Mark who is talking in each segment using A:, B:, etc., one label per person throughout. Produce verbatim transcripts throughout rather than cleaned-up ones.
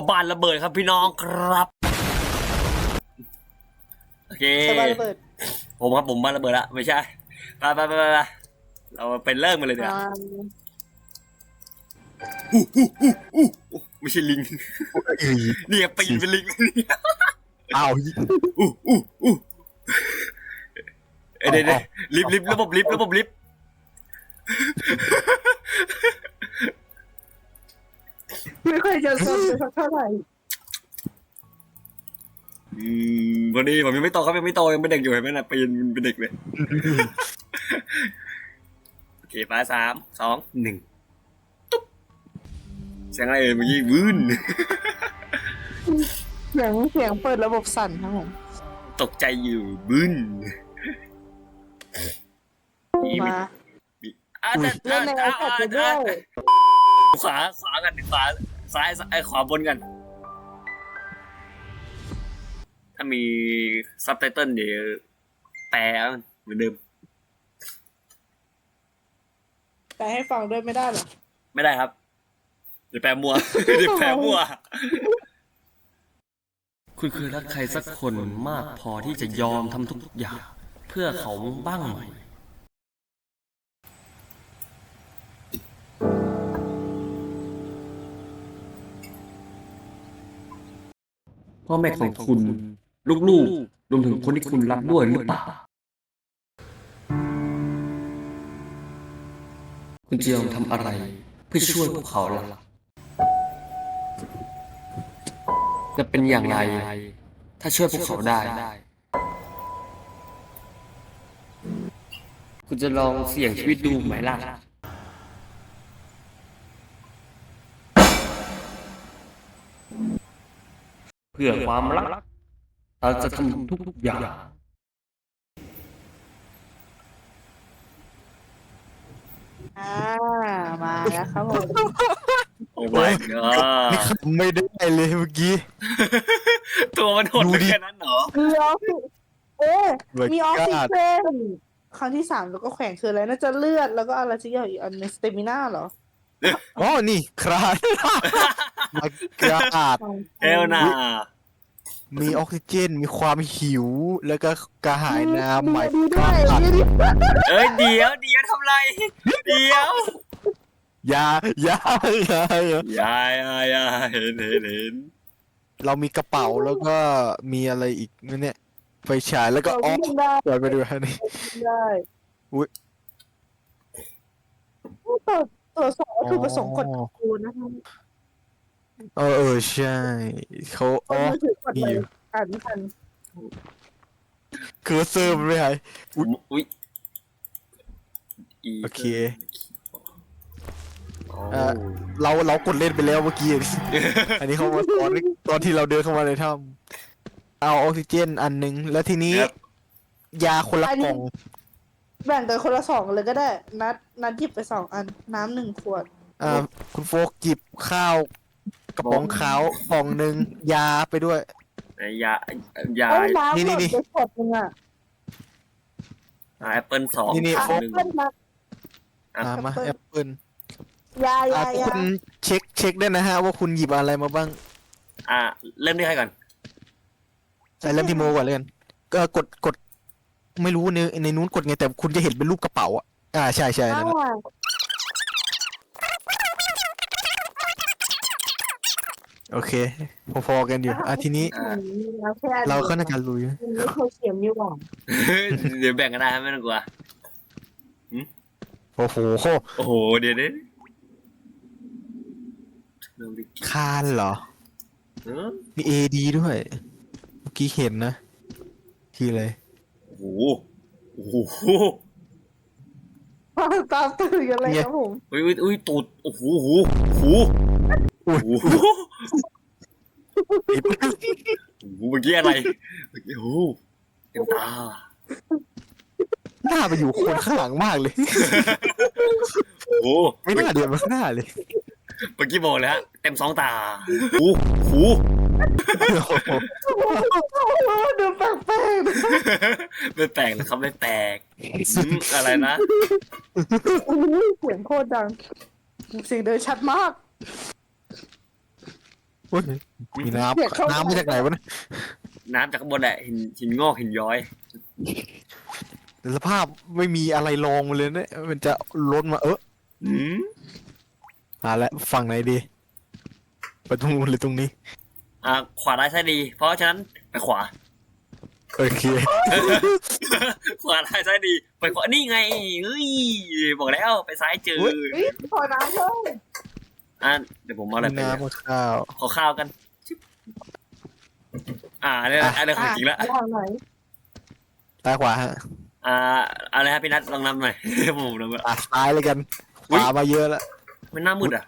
A: บ้านระเบิดครับพี่น้องครับโอเคบ้านระเบิดผมครับผมบ้านระเบิดละไม่ใช่ไปไปไปไปเราเป็นเริ่มกันเลยเดี๋ยวไม่ใช่ลิงนี่ปีนเป็นลิง
B: อ้าว
A: อู้อู้อู้เดี๋ยวลิฟต์ลิฟต์ระบบลิฟต์ระบบลิฟต์
C: ไม่ค่อยจะสนเลยสักเท่าไหร่
A: อืมพอดีผมยังไม่โตครับยังไม่โตยังเป็นเด็กอยู่เห็นไหมนะปีนเป็นเด็กเลยโอเคไปสามสองหนึ่งตุ๊บเสียงอะไรเอ่ยเมื่อกี้วื้น
C: เสียงเสียงเปิดระบบสั่นครับผม
A: ตกใจอยู่บึ้น
C: มา
A: เล่นในไอแพดด้วยขวาขวากันขวาซ้ายไอขวาบนกันถ้ามีซับไตเติลเดี๋ยวแปลเหมือนเดิม
C: แปลให้ฟังด้วยไม่ได้หรอ
A: ไม่ได้ครับเดี๋ยวแปลมัวเดี๋ยวแปลมัวคุณเคยรักใครสักคนมากพอที่จะยอมทำทุกอย่างเพื่อเขาบ้างไหมพ่อแม่ของคุณลูกๆรวมถึงคนที่คุณรักด้วยหรือเปล่าคุณจะยอมทำอะไรเพื่อช่วยพวกเขาล่ะจะเป็นอย่างไรถ้าช่วยพวกเขาได้คุณจะลองเสี่ยงชีวิตดูไหมล่ะเพื่อความรักเราจะทำทุกๆอย่าง
C: อ่ามาแล้วครับผม
A: โอ้ my god
B: นี่ขำไม่ได้เลยเมื่อกี้
A: ตัวมันหดแค่นั้นเหรอ
C: มีออฟฟิศเอ๊มีออฟฟิศเซนครั้งที่สามแล้วก็แขวนคืออะไรน่าจะเลือดแล้วก็อะไรสักอย่างอีกอันในสเตมิน่าเหรอ
B: อ๋อนี่คราดมากราด
A: เอลนา
B: มีออกซิเจนมีความหิวแล้วก็กระหายน้ำใหม่
C: กราด
A: เอ้ยเดี๋ยวเดี๋ยวทำไรเดี๋ยวย
B: ายายาย
A: ายายาเห็นเห็นเห็น
B: เรามีกระเป๋าแล้วก็มีอะไรอีกเนี่ยไฟฉายแล้วก็อ๋อเปิดไปดูฮะนี่
C: ได้
B: อุ้ย
C: ตัวตัวสองคือผสมกดคูณนะคะ
B: เออเออใช่เขาอ๋อ
C: มีอยู่อ่านไม่ทัน
B: เคอร์เซอร์มันไม่หาย
A: อุ้ย
B: โอเคเราเรากดเล่นไปแล้วเมื่อกี้อันนี้เขามาตอนตอนที่เราเดินเข้ามาในถ้ำเอาออกซิเจนอันหนึ่งแล้วทีนี้ยาคนละกล่อง
C: แบ่งกันคนละสองเลยก็ได้นัดนัดหยิบไปสองอันน้ำหนึ่งขวด
B: อ่าคุณโฟกหยิบข้าวกระป๋องขาวกล่องหนึ่งยาไปด้วย
A: ยายา
C: นี่นี่นี่ขวดนึงอ่ะ
A: แอปเปิลสอง
B: นี่นี่
A: โฟก
B: อ่ามาแอปเปิล
C: ยายายา
B: คุณเช็คเช็คได้นะฮะว่าคุณหยิบอะไรมาบ้าง
A: อ่าเริ่มที่ใครก่อน
B: ใส่เริ่มที่โมก่อนเลยกันก็กดกดไม่รู้ในในนู้นกดไงแต่คุณจะเห็นเป็นรูปกระเป๋าอ่ะอ่าใช่ใช่นั่นโอเคพอๆกันอยู่อ่ะทีนี้เราก็น่าจะรู้อยู่
C: เขาเขียนอยู่หว่า
A: เดี๋ยวแบ่งกันได้ไม่ต้องกลัว
B: โอ้โห
A: โอ้โหเดี๋ยวนี้
B: คานเหรอมีเอดีด้วยเมื่อกี้เห็นนะคืออะไร
A: โอ้โหโอ้โห
C: ตามตื่นกันเลยครับผม
A: อุ้ยอุ้ยตูดโอ้โหโอ้โหโอ้โหโอ้โหเมื่อกี้อะไรเมื่อกี้โอ้โหเต็มตา
B: หน้าไปอยู่คนข้างหลังมากเลย
A: โอ้
B: ไม่น่าเดือดมาหน้าเลย
A: เมื่อกี้บอกเลยฮะเต็มสองตาโอ้โห
C: ดูแปลกแปลก
A: ไม่แปลกนะครับไม่แปลกอะไรนะ
C: เสียงโคตรดังเสียงเดินชัดมาก
B: โอ้ยมีน้ำน้ำมาจากไหนวะเนี่ย
A: น้ำจากข้างบนแหละหินหินงอกหินย้อย
B: แต่สภาพไม่มีอะไรรองมาเลยเนี่ยมันจะล้นมาเออ
A: อืม
B: อ่าแล้วฝั่งไหนดีไปตรงนู้นหรือตรงนี้
A: อ่าขวาได้ายซ้ายดี เพราะฉะนั้นไปขวา
B: โอเค
A: ขวาได้ายซ้ายดี ไปขวานี่ไงเฮ้ยบอกแล้วไปซ้ายเจอ
C: เฮ้ยขอน้ำเพิ่ม
A: อ่ะเดี๋ยวผมเอาอะไรไป
B: น้ำกับข้าว
A: ขอข้าวกันชิบอ่าอันนี้อันนี้ของจริงละ
C: อ่ะทางไหน
B: ซ้ายขวาฮะ
A: อ่าอะไรครับพี่นัทลองนำหน่อย ผมนำ
B: อ่ะซ้ายเลยกันข
A: อุ๊ย
B: วามาเยอะแล้ว
A: มันหน้ามืดอ่ะ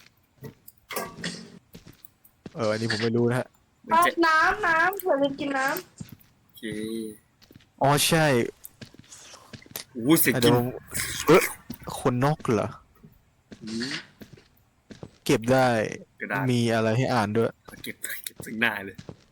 B: เอออันนี้ผมไม่รู้นะฮะ
A: มัน
C: อ่ะ
A: จะ
C: น้ำน้ำเธอลืมกินน้
A: โอเค
B: อ๋อใช่
A: โอ้โหเสียง
B: อ่ะ
A: กิ
B: เดี๋ย
A: น
B: วเออคนนกเหรอ
A: อืม
B: เก็บได้
A: กระดาษ
B: มีอะไรให้อ่านด้วย
A: เก็บเก็บซึ่งหน้าเลย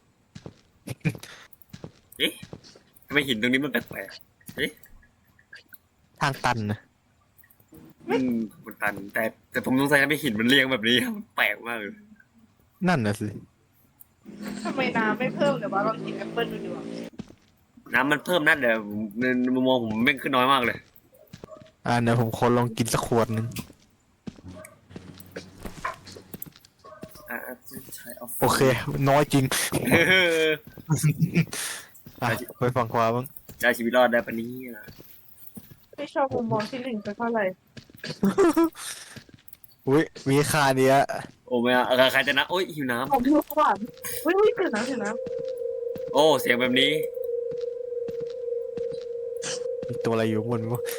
A: เอ๊ะทำไมหินตรงนี้มันแปลกๆเอ๊ะ
B: ทางตันนะ
A: อืมมันตันแต่แต่ผมสงสัยทำไมหินมันเรียงแบบนี้ครับมันแปลกมากเลย
B: นั่นน่ะสิ
C: ำทำไมน้ำไม่เพิ่มเดี๋ยวว่าลองกินแอปเปิ้ลดูดีกว่า
A: น้ำมันเพิ่มนั่นเดี๋ยวผมในมุมมองผมแม่งขึ้นน้อยมากเลย
B: อ่าเดี๋ยวผมขอลองกินสักขวดหนึง
A: อ่ะใช้เอา
B: โอเค น้อยจริง
A: เออ
B: อ่ะไปฝั่งขวาบ้าง
A: จะเอาชีวิตรอดได้ปะเนี่ย
C: ไม่ชอบมุมมองที่หนึ่งสักเท่าไหร่
B: อุ้ยมีคาเนี้ย
A: โอ้ไม่เอาใครจะนะโอ้ยหิวน้
C: ผมดูก่อนเฮ้ยเฮ้ยตื่นน้ำตื่นน้
A: ำโอ้เสียงแบบนี้
B: มีตัวอะไรอยู่บนวะ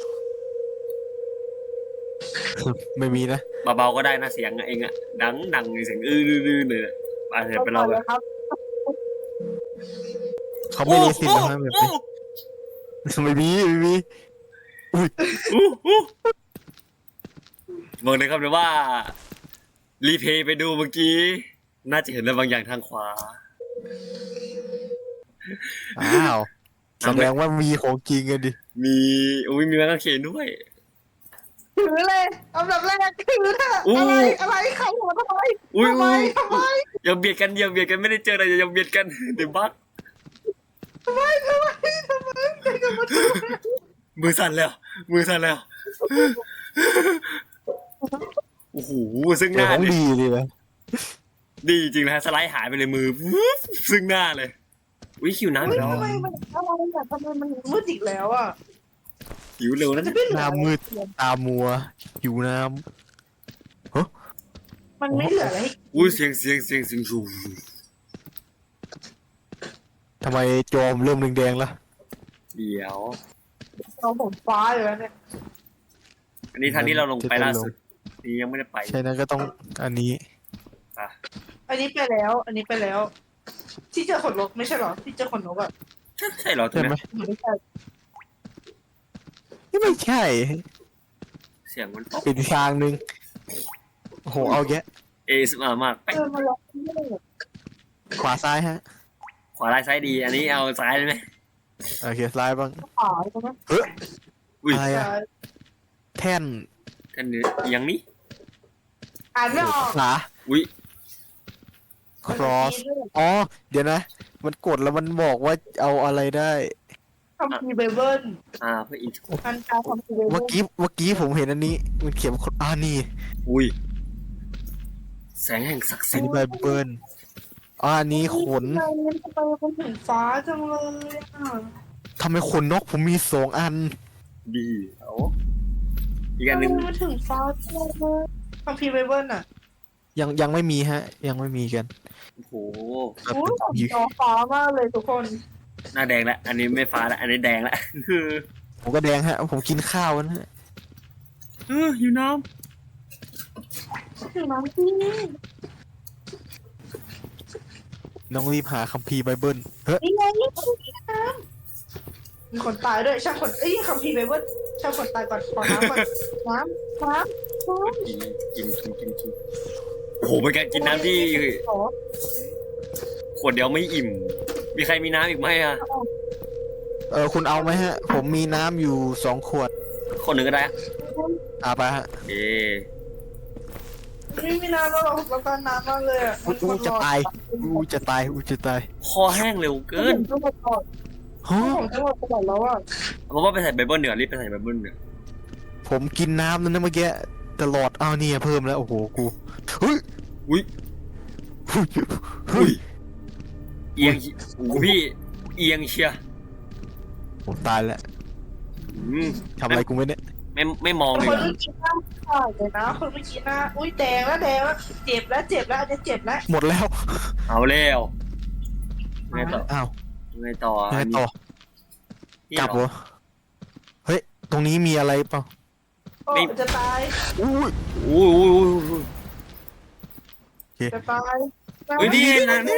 B: ไม่มีนะ
A: เบาๆก็ได้นะเสียงเองอะดังดังเสียงอื้อๆเลยไป
C: ำ
A: เถอะไปเรา
C: เล
A: เลย
C: ยครับ
B: เขาไม่มีสิทธิ์นะแบบ
A: โอ้
B: นี้ไม่มีไม่มี
A: โอ้อู้อู้บอกเลยครับเลยว่า รีเพย์ไปดูเมื่อกี้ น่าจะเห็นอะไรบางอย่างทางขวา
B: อ้าวแสดงว่ามีของจริงกันดิ
A: มีอุ้ยมีแมงกะเขนด้วย
C: ถือเลยอันดับแรกถือเถอะ
A: อู้
C: อะไรอะไรใครหัวทำไม
A: อุ้ย
C: ทำไม
A: อุ้ย
C: ทำไม
A: อย่าเบียดกันอย่าเบียดกันไม่ได้เจออะไรอย่าเบียดกันเดี๋ยวบัก
C: ทำไมทำไมทำไมใครจะมาทำไม
A: มือสั่นแล้วมือสั่นแล้วโอ้โหซึ่ง
B: เจ
A: ห
B: อ
A: น้า
B: ของ
A: ดิ
B: ดีเลยนะ
A: ดีจริงนะฮะสไลด์หายไปเลยมือวุ๊บซึ่งหน้าเลยอุ้ยหิวน้ำอี
C: เฮ้
A: ก
C: ย
A: แล้ว
C: ทำไมมันอะไรอ่ะทำไมมันมืดอีกแล้วอ่ะ
A: หิวเร็วนะ
C: จะไม่เหลื
B: ห
C: อ
B: น้ามืดตามัวหิวน้
C: มันไม่เหลืออะไรให้
A: อุ้ยเสียงเสียงเสียงเสียงชู
B: ำทำไมจอมเริ่มแดงๆแล้ว
A: เดี๋ยว
C: เราผมฟ้าอยู่แล้วเนี่ย
A: อันนี้ทางนี้เราลงไปล่าสุดนี่ยังไม่ได้ไป
B: ใช่นั้นก็ต้องอันนี้
A: อ่ะ
C: อันนี้ไปแล้ว อันนี้ไปแล้ว ที่เจอขนนกไม่ใช่เหรอที่เจอขนนกอ่ะ
A: ใช่ใช่เหรอตรง
B: ใช่ไหม
A: นี้
C: ไม่ใช่
B: ไม่ใช่
A: เสียงมันป๊อก
B: เป็นทางหนึ่งโอ้โหเอาแยะ
A: เอสมามากไป
C: เออมาลองที่นี่
B: ขวาซ้ายฮะ
A: ขวาลายซ้ายดี อันนี้เอาซ้ายเลยไหม
B: โอเคซ้ายบ้าง
C: ขวาใช่ไหม
B: เฮ้ย
A: อุ้ย
B: อะไรอะแท่น
A: กันเนื้ออย่างนี้
C: อ่านไม่ออก
B: ขา
A: อุ้ย
B: cross อ๋อเดี๋ยวนะ มันกดแล้วมันบอกว่าเอาอะไรได้
C: คำพีร์ไบเบิล
A: อ่าเพื่ออิน
C: อันกาคำพีร์ไบเบิ
B: เมื่อ
C: ล
B: กี้เมื่อกี้ผมเห็นอันนี้ มันเขียนว่าอ่านี่
A: อุ้ยแสงแห่งศักดิ์
B: อั
A: สิ
B: น
A: ท
B: นี้
A: ธิ์
B: ไบเบิลอ่าอันนี้ขน
C: ทำไมมันทำไมมันถึงฟ้าจังเลยอ่ะ
B: ทำไมขนนกผมมีสองอัน
A: ดีเอาอีก
C: ทำ
A: อัน
C: ไม
A: หนึ่ง
C: มันถึงฟ้าจังเลยคำพีร์ไบเบิลอ่ะ
B: ยังยังไม่มีฮะ ยังไม่มีกัน
A: โอ้โห
B: ครับ
C: โอ้ยผมจอฟ้ามากเลยทุกคน
A: หน้าแดงละอันนี้ไม่ฟ้าละอันนี้แดงละ คือ
B: ผมก็แดงฮะ ผมกินข้าวนะฮะ
A: เออหิวน้
C: ถึงน้ำที่นี่
B: น้องรีบหาคัมภีร์ไบเบิลเฮ้ย
C: นี่ไงนี่น้ำมีคนตายด้วยช่างคนเอ้ยคำพีร์ไบเบิลช่างคนตายก่อนขอน้ำก่อนน้ำน้ำน้
A: ำกินกินกินกินกินโอ้โหเป็นการกินน้ำที่
C: ำโอ้
A: ขวดเดียวไม่อิ่ม มีใครมีน้ำอีกไหมอ่ะ
B: เออคุณเอาไหมฮะ ผมมีน้ำอยู่สองขวด
A: คนหนึ่งก็ได้อะ
B: อาไปฮะ
A: เอ
C: ไม่มีน้ำแล้วเราเราการน้ำมากเลยอ่ะ
B: อู้อู้จะตายอู้จะตายอู้จะตาย
A: คอแห้งเร็วเกิน
C: จังหวัดก่อน
B: ฮะ
C: ของจังหวัดตลอดแล้วอ่ะ
A: ผมว่าไปใส่ไบเบิลเดี๋ยวรีบไปใส่ไบเบิลเดี๋ยว
B: ผมกินน้ำนั่นนะเมื่อกี้ตลอดเอาเนี่ยเพิ่มแล้วโอ้โหกูเฮ้ย
A: อุ้ย
B: เฮ้ย
A: อุ้ยเอียงโอ้โหพี่เอียงเชีย
B: ผมตายแล้ว
A: อืม
B: ทำอะไรกูไม่เนี่ย
A: ไม่ไม่มอง
C: คน
A: เลย
C: เมื่อกี้หน้าขาดเลยนะคนเมื่อกี้หน้าอุ้ยแดงแล้วแดงแล้วเจ็บแล้วเจ็บแล้วอันนี้เจ็บแล้ว
B: หมดแล้ว
A: เอาแล้วไงต่อ
B: อ้าว
A: ไงต่อ
B: ยังไงต่อ
A: นี่
B: กลับ
A: เหร
B: เหร
A: อ
B: อเฮ้ยตรงนี้มีอะไรเปล่า
C: โอ้จะตาย
B: อุ้ย
A: อุ้ยอุ้ยอุ้ยอุ้ย
C: จะตาย
A: เฮ้ยนี่นะนี่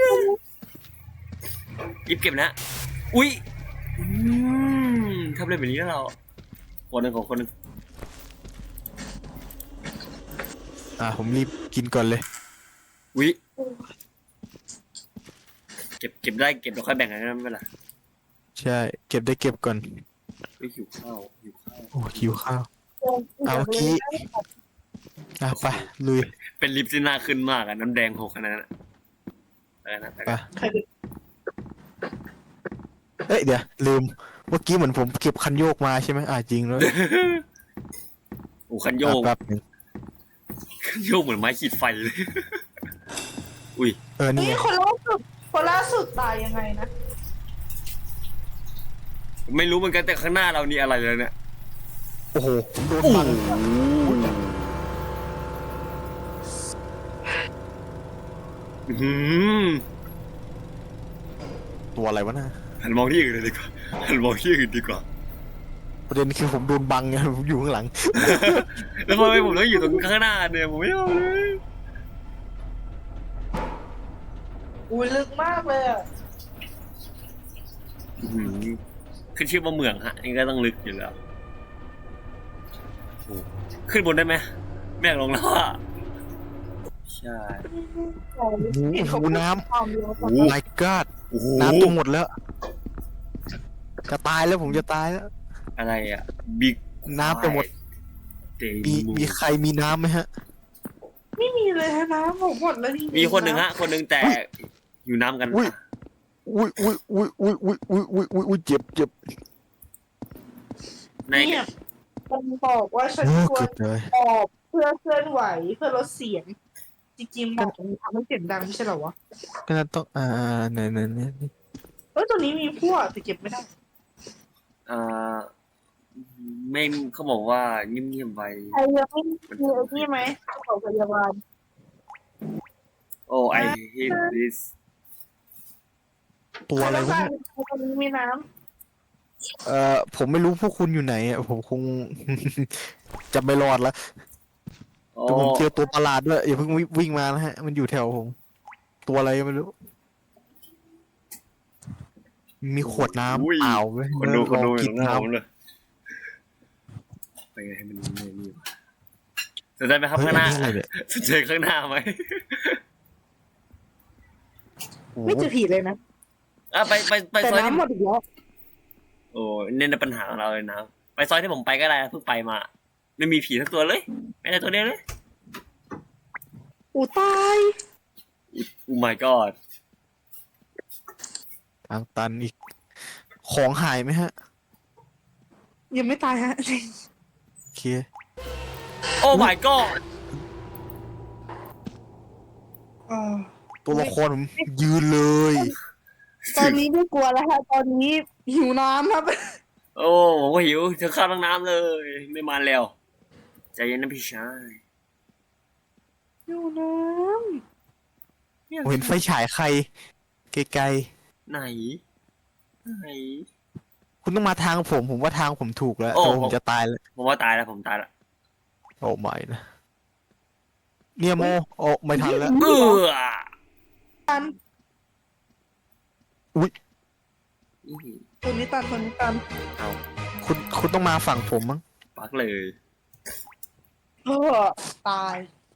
A: หยิบเก็บนะอุ้ยอืมทำอะไรแบบนี้นะเราคนหนึ่งของคนหนึ่ง
B: อ่าผมรีบกินก่อนเลย
A: อุ้ยเก็บเก็บได้เก็บแล้วค่อยแบ่งกันนะไม่เป็นไร
B: ใช่เก็บได้เก็บก่อน
A: ไม่หิวข้าวหิวข้าว
B: โอ้หิวข้าวเอาเมื่อกี้อ่ะไปลุย
A: เป็นลิปที่น่าขึ้นมากอะน้ำแดงหกขนาดนั้นอะไปนะไป
B: ไป
A: นะ
C: ใครเป็น
B: เอ้ยเดี๋ยวลืมเมื่อกี้เหมือนผมเก็บคันโยกมาใช่ไหมอ่าจริงแล้ว
A: โอ้คันโยก
B: อ่ะแป๊บหนึง
A: คันโยกเหมือนไม้ขีดไฟเลย อุ้ย
B: เออนี่
C: นี่
B: ไง
C: คนล่าสุดคนล่าสุดตายยังไงนะ
A: ไม่รู้เหมือนกันแต่ข้างหน้าเรานี่อะไรเลยเนี่ย
B: โอ้โหผมโดน
A: โอ้
B: ฟัน
A: อื้อหือ
B: ตัวอะไรวะน่ะ
A: หันมองที่อื่นเลยดีกว่าหันมองที่อื่นดีกว่า
B: ประเด็นคือผมโดนบังไงผมอยู่ข้างหลัง
A: แล้วทำไมผมต้องอยู่ตรงข้างหน้าเนี่ยผมไม่เอาเลย
C: อุ้ยลึกมากเลยอ่ะ
A: อื้อหือขึ้นชื่อว่าเหมืองฮะนี่ก็ต้องลึกอยู่แล้วโอ้ขึ้นบนได้ไหมไม่อยากลงแล้วอ่ะใช่
B: โอ้โหน้ำ
C: ความเร็ว
A: โอ้
B: my god
A: โอ้โห
B: น้ำตัวหมดแล้ว จะตายแล้วผมจะตายแล้ว
A: อะไรอ่ะบิ๊ก
B: น้ำไปหมด มีมีใครมีน้ำไหมฮะ
C: ไม่มีเลยนะผมหมดแล้วจริงๆ
A: มีคนหนึ่งฮะ คนหนึ่งแต่อยู่น้ำกัน
B: อุ้ย อุ้ยอุ้ยอุ้ยอุ้ยอุ้ยอุ้ยอุ้ยอุ้ยอุ้ยเจ็บเจ็บ
A: ใน
C: เนี่ยมันบอกว่าฉัน
B: โอ้
C: คว
B: เกื
C: ร
B: อบเลย
C: ออกเพื่อเคลื่อนไหวเพื่อลดเสียง จริงๆบอกมันทำให้เสียงดังไม่ใช่เหรอวะ
B: ก็น่าต้องอ่าไหนไหนไหน
C: เอ้ยตัวนี้มีพวกแต่เก็บไม่ได้
A: อ่าไม่เขาบอกว่าเงียบๆไว้
C: ใครยังไม่มีไอ้นี่ไหมของพยาบาล
A: โอ้ I hate this
B: ตัวอะไรวะเนี่ย
C: ตัวนี้มีน้
B: เอ่อผมไม่รู้พวกคุณอยู่ไหนอ่ะผมคง จะไม่รอดแล้ว
A: โอ้
B: แต่ผมเจอตัวประหลาดด้วยอย่าเพิ่งวิ่งวิ่งมานะฮะ มันอยู่แถวผม ตัวอะไรก็ไม่รู้ มีขวดน้ำเปล่าไหม
A: คนดูคนดู
B: ลอง
A: อ
B: กิ
A: ยู่
B: น
A: ข้างหน้า
B: น้
A: ผมเลยไปไงให้มันไม่นี่วะสนใจไหม
B: ำ
A: ครับ
B: เฮ้ย
A: ข้างหน้า
B: อันนี้อะไรเนี่ย
A: สนใจข้างหน้าไหม
B: โอ้
C: ำ
B: โห
C: ไม่เจอผีเลยนะ
A: อ่ะไปไปไป
C: แต่
A: ซอยที่
C: น้ำหมดอีกแล้ว
A: โอ้เนี่ยนะปัญหาของเราเลยนะไปซอยที่ผมไปก็ได้นะเพิ่งไปมา ไม่มีผีสักตัวเลยไม่ได้ตัวเดียวเลย
C: อู้ตาย
A: โอ้ my god
B: ทางตันอีก ของหายไหมฮะ
C: ยังไม่ตายฮะ
B: โอเค
A: โอ้ my god
C: อ่า
B: ตัวละครผมยืนเลย
C: ตอนนี้ไม่กลัวแล้วฮะตอนนี้หิวน้ำครับ
A: โอ้ผมก็หิวจะข้าวทั้งน้ำเลย ไม่มาแล้วใจเย็นนะพี่ชาย
C: หิวน้
B: ผมเห็นไฟฉายใคร ไกล
A: ไหนไหน
B: ๆ คุณต้องมาทางผม ผมว่าทางผมถูกแล้ว
A: โอ้
B: แต่ว่าผ
A: ผม ม
B: จะตายแล้ว
A: ผมว่าตายแล้วผมตายแล้ว
B: โอ้ไม่นะ เนี่ยโมโอ้ไม่ทันแล้ว
A: เออ
C: ำตัน
B: อุ๊ย
C: ตัวนี้ตันตัวนี้ตัน
A: เอา
B: คุณคุณต้องมาฝั่งผมมั้ง
A: ปักเลย
C: เออตาย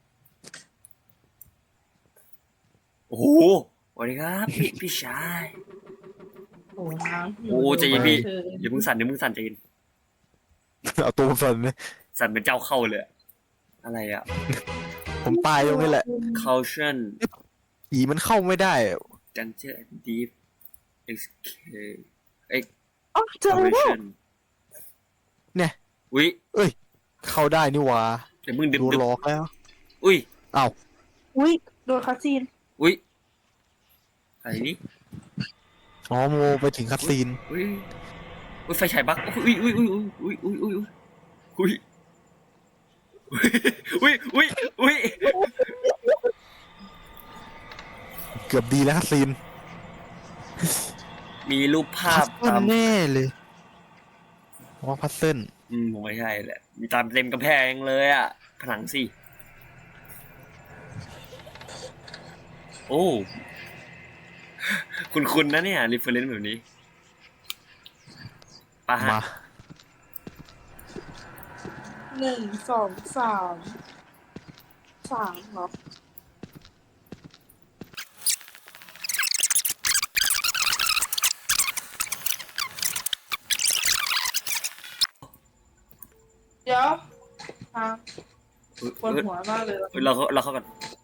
A: โอ้โหสวัสดีครับพี่พี่ชาย
C: โอ้น้ำ
A: โอ้ใจเย็นพี่อย่าเพิ่งสั่นอย่าเพิ่งสั่นใจเย็น
B: เอาตัวผมสั่นเลย
A: สั่นเป็นเจ้าเข้าเลยอะอะไรอ่ะ
B: ผมตายตรงนี้แหละ
A: caution
B: ผีมันเข้าไม่ได้
A: danger and deep escape
C: อ๋อเจอแล้ว
A: exploration
B: เนี่ย
A: อุ้ย
B: เอ้ย เข้าได้นี่หว่า
A: เดี๋ยวมึงดึบ
B: โดน
A: ดึบ
B: หลอกแล้ว
A: อุ้ย
B: อ้าว
C: อุ้ยโดนคาซีน
A: อุ้ยอะไรนี่
B: อ๋อโมไปถึงคัตซีน
A: อุ้ยอุ้ยไฟฉายบักอุ้ยอุ้ยอุ้ยอุ้ยอุ้ยอุ้ยอุ้ยอุ้ยอุ้ยอุ้ย
B: เกือบดีแล้วคัตซีน
A: มีรูปภา
B: พั
A: พ
B: ซเซิล
A: ตาม
B: แน่เลยว่าพัซเซิล
A: อืมผมไม่ใช่แหละมีตามเต็มกำแพงเลยอ่ะผนังสิโอ้คุณคุณนะเนี่ยรีเฟอร์เรนซ์แบบนี้ปะฮะ
B: มา
C: หนึ่งสองสามสามเหรอเดี๋ยวทางปวดหัวมากเลย
A: เฮ้ยเราเข้าเราเข้ากัน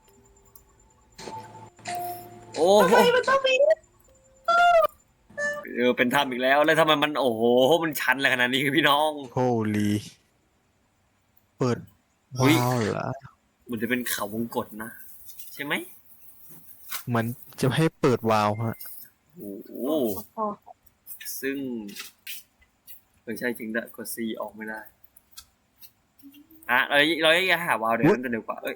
A: โอ้
C: ทำ
A: โห
C: ไมมันต้องมี
A: เออเป็นถ้ำอีกแล้วแล้วทำไมมันโอ้โหมันชันอะไรขนาดนี้พี่น้อง
B: โฮลีเปิด
A: อุ๊ย
B: ว้าวเหรอ
A: มันจะเป็นเขาวงกตนะใช่ไหม
B: เหมันจะให้เปิดวาล์วฮะ
A: โอ้โห
C: พอ
A: ซึ่งไม่ใช่จริงด้วยกด C ออกไม่ได้อ่ะเราเราจะหาวาล์วเดี๋ยวนั้นจะเร็วกว่าเอ้ย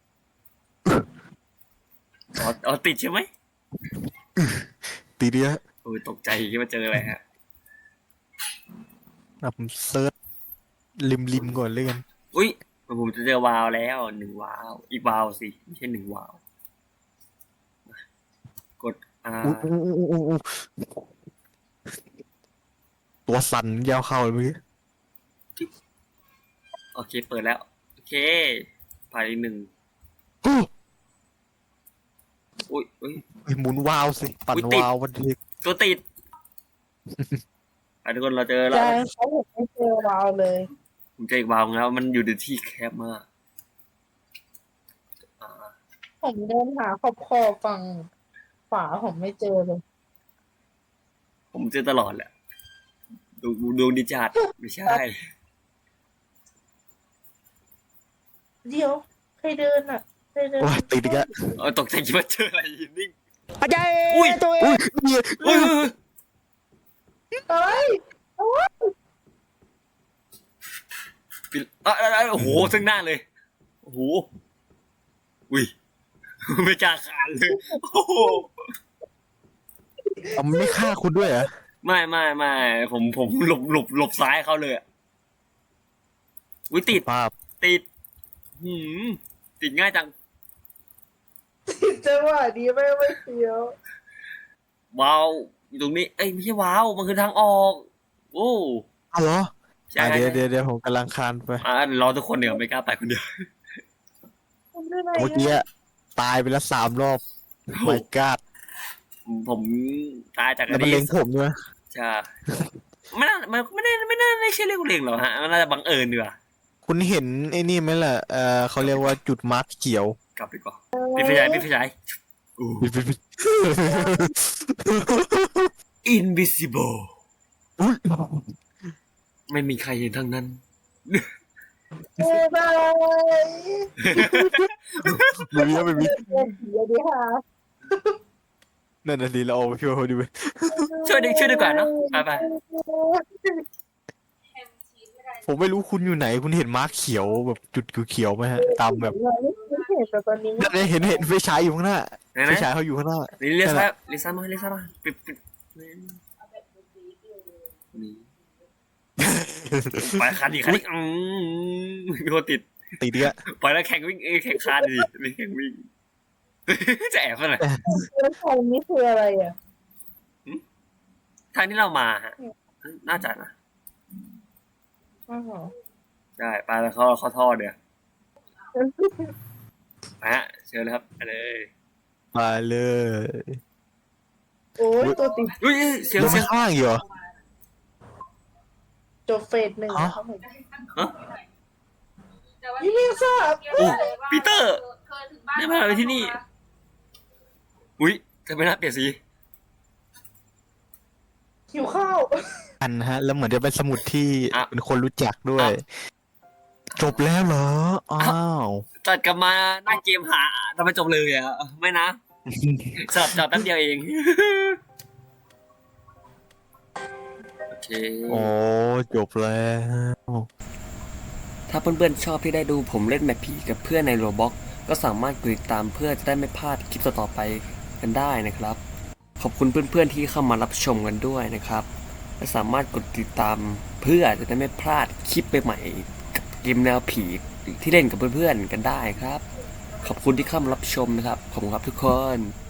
A: อ๋ออ๋อติดใช่ไหม
B: ตีเดีย
A: โอ้ยตกใจคิดว่าเจออะไรฮะ
B: อ่ะผมเซิร์ชริมริมๆก่อนเลยกัน
A: อุ้ยผมจะเจอวาล์วแล้วหนึ่งวาล์วอีกวาล์วสิไม่ใช่หนึ่งวาล์วกด R
B: อู้อู้อู้อู้อู้ตัวสั่นยาวเข้าเลยเมื่อกี้
A: โอเคเปิดแล้วโอเคไปหนึ่ง
B: โอ้
A: อุ้ยอุ้ย
B: ยหมุนวาล์วสิ ปั่น
A: อุ๊ยติด
B: วาล์ววันเด็ก
A: ตัวติด ไปทุกคนเราเจอแล้ว
C: จางเขาบอกไม่เจอเราเลย
A: ผมเจออีกวาล์วแล้วมันอยู่ในที่แคบมากอ่า
C: ผมเดินหาขอบขอบฝั่งฝาผมไม่เจอเลย
A: ผมเจอตลอดแหละดูดวงดิจัดไม่ใช่
C: เดี๋ยวใครเดินอ่ะใครเดิน
B: โอ้ยติดอีกแล้ว
A: เออตกใจคิดว่าเจออะไรอยู่นิ่ง
B: อาจารย์
A: อุ้ย
B: ตัวเองอุ้ยเนี่ย
A: อุ้ยอุ้ยอุ้ย
C: เอ้ย
A: ปิดอ่ะอ่ะอ่ะโอ้โหซึ่งหน้าเลยโอ้โหอุ้ยไม่กล้าขานเลยโอ้โห
B: เอามันไม่ฆ่าคุณด้วยเหรอ
A: ไม่ไม่ไม่ผมผมหลบหลบหลบซ้ายเขาเลยอะอุ้ยติด
B: ภาพ
A: ติด หืมติดง่ายจัง
C: จังหวะนี้ไม่ไม่เสียว
A: ว้าวอยู่ตรงนี้ เอ้ยไม่ใช่ว้าว มันคือทางออก โอ้
B: อ้าวเหรอ
A: ใช่
B: อ่ะเดี๋ยวเดี๋ยวเดี๋ยวผมกำลังคานไป
A: อ่ารอทุกคนเดี๋ยวไม่กล้าไปคนเดียว
C: ผมได้ไหน
B: เมื่อกี้อะตายไปแล้วสามรอบไม่กล้า
A: ผมตายจาก
B: แล้ว
A: อัน
B: มัน
A: นี้
B: เล็งผมด้วย
A: ใช่ไม่น่ามันไม่ได้ไม่น่าไม่ใช่เรื่องเล็งหรอกฮะมันน่าจะบังเอิญดีกว่า
B: คุณเห็นไอ้นี่ไหมล่ะ เออเขาเรียกว่าจุดมาร์กเขียว
A: กลับดีกว่าพี่ไฟฉายพี่ไฟฉายอู้ invisible
B: อุ๊ย
A: ไม่มีใครเห็นทั้งนั้น
C: เอ้ยบาย
B: ไม่มีไม่มี
C: เดี๋ยวดีค่ะ
B: นั่นน่ะสิเราเอาไปช่วยเขาดูไหม
A: ช่วยดีช่วยดีกว่าเนาะไปไป
B: ผมไม่รู้คุณอยู่ไหน คุณเห็นมาร์กเขียวแบบจุดเขียวๆไหมฮะ ตามแบบ
C: ไม่เห็นแต่ตอนนี้
B: นั่นไงเห็นเห็นไฟฉายอยู่ข้างหน้า
A: ไหน
B: ไฟ
A: นะ
B: ฉายเขาอยู่ข้างหน้า
A: ลิลิซ่าลิซ่ามาลิซ่ามาปิดปิดนี่ไปคันอีกคันอีกอืมมีคนติด
B: ติดเยอะ
A: ปล่อยแล้วแข่งวิ่งเอ้ยแข่งคานดิไม่แข่งวิ่ง จะแอบกันหน่อย
C: แล้วทางนี้คืออะไรอ่ะ
A: ทางที่เรามาฮะน่าจะนะ
C: อ้าวเหรอ
A: ใช่ไปแล้วเขาเขาท่อเดี๋ยวไปฮะเชิญเลยครับไปเลย
B: มาเลย
C: โอ้ยตัวติด
A: อุ้ยเสียง
B: ลง
A: เสียง
B: ข้างอยู่เหรอ
C: จบเฟสหนึ่ง
B: ฮะ
C: ครับผม
A: ฮะ
C: นี่เรียกทราบ
A: โอ้ปีเตอร์ได้มาไปที่นี่ อุ้ยทำไมน่าเปลี่ยนสี
C: หิวข้าว
B: อันฮะ แล้วเหมือนจะเป็นสมุดที่
A: อ่ะ
B: เป็นคนรู้จักด้วย
A: อ่ะ
B: จบแล้วเหรอ อ้าว
A: ตัดกลับมาหน้าเกมหาทำไมจบเลยอ่ะ ไม่นะจับจับแป๊บเดียวเอง โอเค
B: โอ้จบแล้ว
A: ถ้าเพื่อนๆชอบที่ได้ดูผมเล่นแมปผีกับเพื่อนในโรบ็อกก็สามารถกดติดตามเพื่อจะได้ไม่พลาดคลิปต่อๆไปกันได้นะครับ ขอบคุณเพื่อนๆที่เข้ามารับชมกันด้วยนะครับ และสามารถกดติดตามเพื่อจะได้ไม่พลาดคลิปใหม่ๆกับเกมแนวผีที่เล่นกับเพื่อนๆกันได้ครับ ขอบคุณที่เข้ามารับชมนะครับขอบคุณครับทุกคน